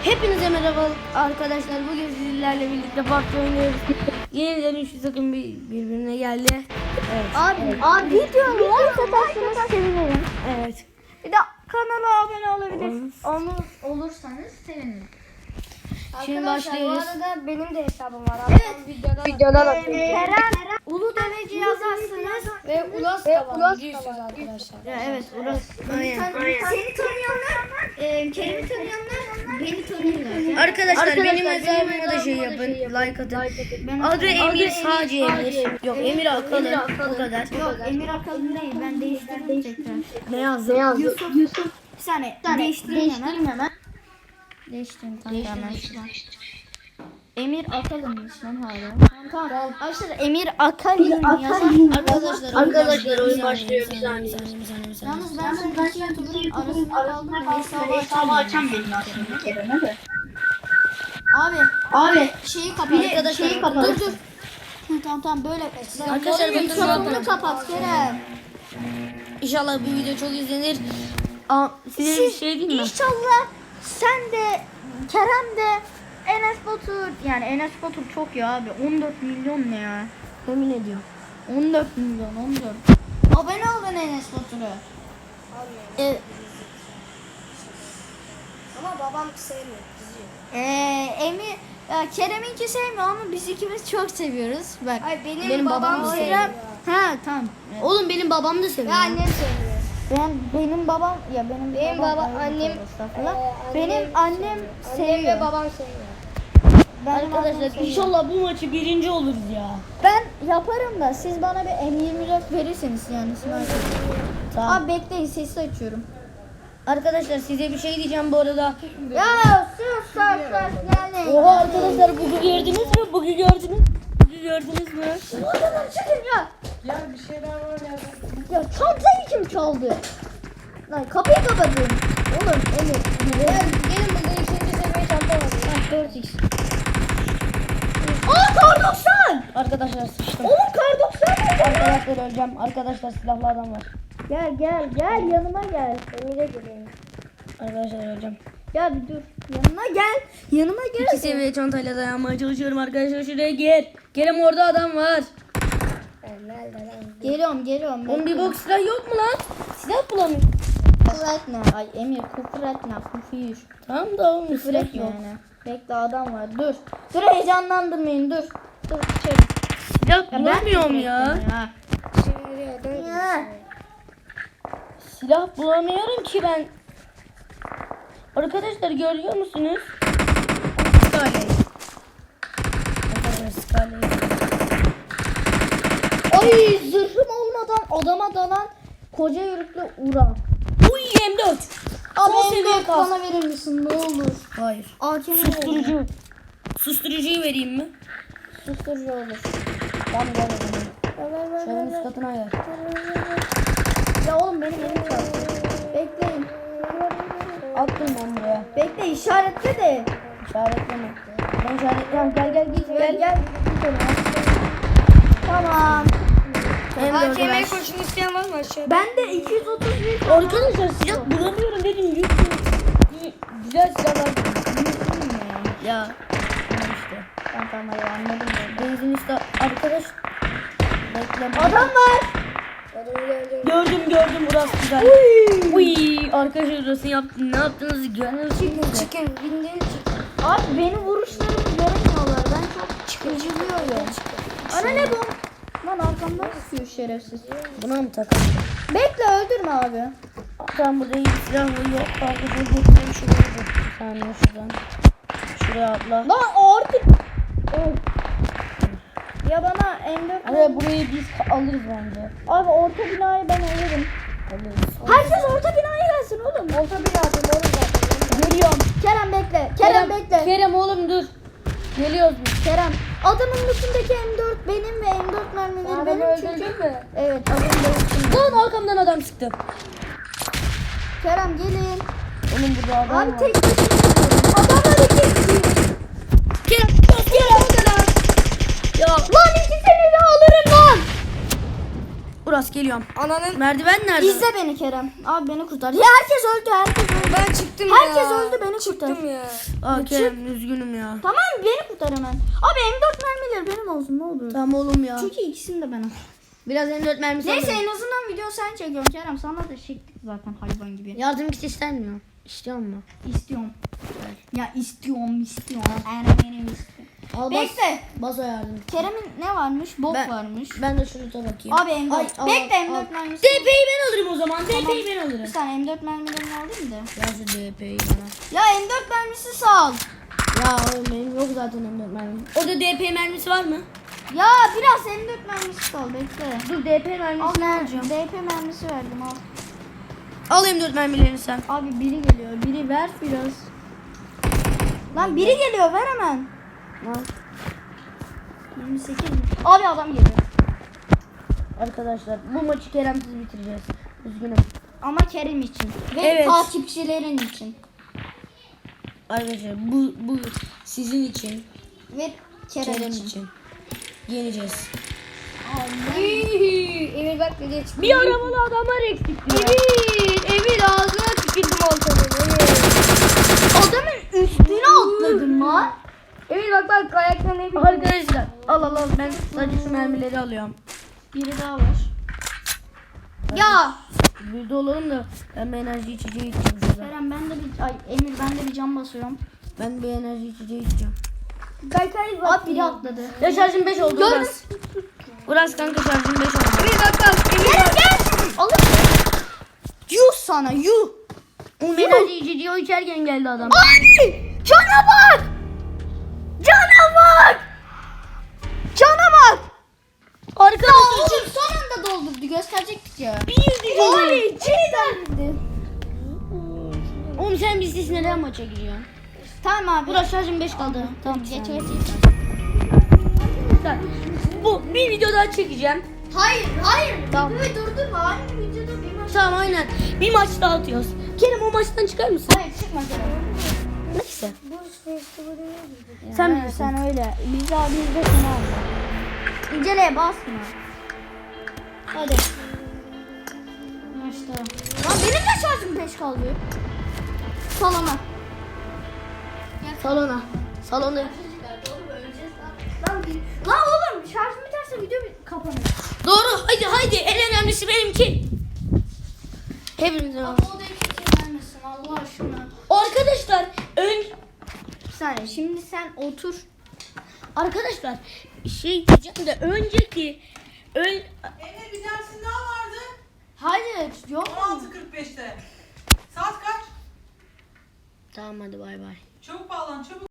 Hepinize merhaba arkadaşlar. Bugün sizlerle birlikte PUBG oynuyoruz. Yeniden 3 takım birbirine geldi. Evet. Abi videomu like atarsanız sevinirim. Evet. Bir de kanala abone olabilirsiniz. Olursanız sevinirim. Şimdi Arkadaşlar, başlıyoruz. Bu arada benim de hesabım var. Evet. Videodan atayım. Kerem Ulu Deveci yazarsınız ve Ulas da biliyorsunuz arkadaşlar. Evet, Uras. Aynen. Seni tanıyanlar, Kerem'i tanıyanlar beni tanıyorlar. Arkadaşlar benim hesabıma da şey yapın. Like atın. Adı Emir, sadece Emir. Yok, Emir Akalın. O kadar. Yok Emir Akalın değil, ben değiştirdim tekrar. Ne yazdın? Yusuf. Bir saniye değiştireyim hemen. Değiştireyim hemen. Emir Akalın'mış lan hala. Tamam. Arkadaşlar Emir Akalın yazar. Arkadaşlar oyun başlıyor. Yalnız ben son iki YouTuber'ın arasında kaldım. Hesabı açan benim aslında Kerem'e de. Abi şeyi kapat. Dur. Tamam böyle. Arkadaşlar bakın Mikrofonunu kapat Kerem. İnşallah bu video çok izlenir. Size bir şey diyeyim mi? İnşallah sen de Kerem de Enes Batur, yani Enes Batur çok ya abi, 14 milyon ne ya? Yemin ediyorum. 14 milyon. Abone olun Enes Batur'a. Evet. Ama babam sevmiyor, kızıyor. Emir Kerem'inki sevmiyor ama biz ikimiz çok seviyoruz. Bak. Ay benim babam da sevmiyor. Ha tamam. Oğlum benim babam da seviyor. Ve annem sevmiyor. Benim babam ya benim Baba, annem, benim annem Annem seviyor. ve babam sevmiyor. Benim annem Arkadaşlar seviyor. inşallah bu maçı birinci oluruz ya. Ben yaparım da siz bana bir M24 verirseniz yani sniper. Tamam. Abi bekleyin, sesi açıyorum. Arkadaşlar size bir şey diyeceğim bu arada. Ya sus yani. Oha arkadaşlar bugü gördünüz mü? Bugü gördünüz mü? Oradan çıkın ya. Ya bir şeyler var ya. Ya çantayı kim çaldı? Lan kapıyı kapatın. Oğlum Emir. Gelin burada ikinci seviye çanta var. 4x. Aa kar 90. Arkadaşlar sıçtım. Oğlum kar 90 oldu. Arkadaşlar öleceğim. Arkadaşlar silahlı adam var. Gel yanıma gel. Emir'e geleyim. Arkadaşlar öleceğim. Ya bir dur. Yanıma gel. 2 seviye çantayla dayanmaya çalışıyorum arkadaşlar. Şuraya gel. Kerem orada adam var. Nerede lan? Geliyorum. Oğlum bir bok silah yok mu lan? Silah bulamıyorum. Kufretne. Ay Emir kufretne. Kufir. Tamam da oğlum silah Kufretne yok. yani. Bekle adam var. Dur heyecanlandırmayın dur. Dur içeri. Silah bulamıyorum ya. Şimdi Ya. Silah bulamıyorum ki ben. Arkadaşlar görüyor musunuz? Scarlet. Arkadaşlar Scarlet. Ay zırhım olmadan adama dalan koca yürüklü Ura. Uy M4. Abi Son seviye M4 kas. bana verir misin ne olur? Hayır. AKM Susturucu. Susturucuyu vereyim mi? Susturucu olur. Tamam ver o zaman. Şöyle üst katına ver. Ya oğlum benim elim çaldı. Bekleyin. Attım ben buraya. Bekle işaretle de. İşaretleme. Ben işaretliyorum. Gel git Gel. Git ona. Tamam. M4'ü ver. AKM kurşun isteyen var mı aşağıda? Ben de 231 Arkadaşlar silah bulamıyorum dedim. Güzel silahlar. Ya. İşte. Tamam hadi anladım ben. Benzin işte arkadaş. Bekle. Adam var. Gördüm burası güzel. Uy. Arkadaşlar burası yaptım. Ne yaptığınızı görüyorsunuz. Çıkın, bindin çıkın. Abi benim vuruşlarımı görmüyorlar. Ben çok çıkıcılıyorum. Ana ne bu? Lan arkamdan sıkıyor şerefsiz. Buna mı takalım? Bekle öldürme abi. Tamam burada iyi bir silah var. Yok arkadaşlar götüreyim şuraya. Bir saniye şuradan. Şuraya atla. Lan artık. Ya bana M4 Hadi burayı biz alırız bence. Abi orta binayı ben alırım. Alırız. Herkes orta binaya gelsin oğlum. Orta bir yardım olur zaten. Geliyorum. Kerem bekle. Kerem bekle. Kerem oğlum dur. Geliyoruz biz. Kerem. Adamın üstündeki M4 benim ve M4 mermileri benim çünkü. mü? Evet adamın da Lan arkamdan adam çıktı. Kerem gelin. Oğlum burada adam Abi var. tek başına gidiyorum. Adamlar iki kişi. Kerem. Kerem. Ya. Lan ikisini de alırım lan. Burası geliyorum. Ananın. Merdiven nerede? İzle beni Kerem. Abi beni kurtar. Ya herkes öldü. Ben çıktım ya. Herkes öldü, beni kurtar. Çıktım ya. Aa Kerem üzgünüm ya. Tamam beni kurtar hemen. Abi M4 mermileri benim olsun ne olur. Tamam oğlum ya. Çünkü ikisini de ben al. Biraz M4 mermisi Neyse alayım. en azından video sen çekiyorsun Kerem. Sana da çektik zaten hayvan gibi. Yardım kit istemiyor. İstiyor mu? İstiyorum. Ya istiyorum. Benim istiyorum. Al Bekle. Bas o yardım. Kerem'in ne varmış? Bok Ben- varmış. Ben de şunu da bakayım. Abi M4. Ay, al, Bekle al. M4 mermisi. DP'yi ben alırım o zaman. DP'yi ben Bir alırım. saniye M4 mermilerini alayım da. Ya şu DP'yi bana. Ya M4 mermisi sal. Ya oğlum benim yok zaten M4 mermisi. Orada DP mermisi var mı? Ya biraz M4 mermisi sal bekle. Dur DP Al mermisini alacağım. DP mermisi verdim al. Al M4 mermilerini sen. Abi biri geliyor. Biri ver biraz. Lan biri geliyor ver hemen. Al. 28 mi? Abi adam geliyor. Arkadaşlar bu maçı Kerem'siz bitireceğiz. Üzgünüm. Ama Kerim için. Ve Evet. takipçilerin için. Arkadaşlar bu sizin için. Ve Kerem, Kerem için. için. Yeneceğiz. Emir bak ne diye çıktı. Bir aramalı adamlar eksik diyor. Emir ağzına tükürdüm ortalığı. Adamın üstüne atladım lan. Emir bak ayaklarına Emir. Arkadaşlar al ben sadece şu mermileri alıyorum. Biri daha var. Ya Bir de olalım da ben bir enerji içeceği içeceğim şurada. Kerem ben de bir Emir ben de bir cam basıyorum. Ben bir enerji içeceği içeceğim. Kaykay Abi biri atladı. Ya şarjım 5 oldu Gördüm. Uras. Uras kanka şarjım 5 oldu. Emir bak. Kerem gel. Alın. Yuh sana yuh. Oğlum enerji içeceği o içerken geldi adam. Ay! Cana bak! Cana bak! Cana bak! Arkadaşlar Oğlum son anda doldurdu gösterecektik ya. bir Abi cidden. Oğlum sen bizsiz neden maça gidiyorsun? Tamam abi. Uras şarjım 5 kaldı. Tamam geç geç. Arkadaşlar bu bir video daha çekeceğim. Hayır. Tamam. Videoyu durdurma. Aynı videoda bir maç. Tamam aynen. Bir maç daha atıyoruz. Kerem o maçtan çıkar mısın? Hayır çıkma Kerem. Neyse. Buz festivali ne? Sen Ha, bilirsin. Sen öyle. Biz de seni aldık. İnceleye basma. Hadi. Maçta. Lan benim de şarjım 5 kaldı. Salona. Salona. Salonda. Lan oğlum şarjım biterse video kapanır. Doğru. Haydi. En önemlisi benimki. Hepimize var. O da kimse gelmesin Allah aşkına. Arkadaşlar Bir saniye şimdi sen otur. arkadaşlar şey diyeceğim de önceki Emre bir dersin daha vardı. Hayır yok. 16.45'te. Saat kaç? Tamam hadi bay bay. Çabuk bağlan çabuk.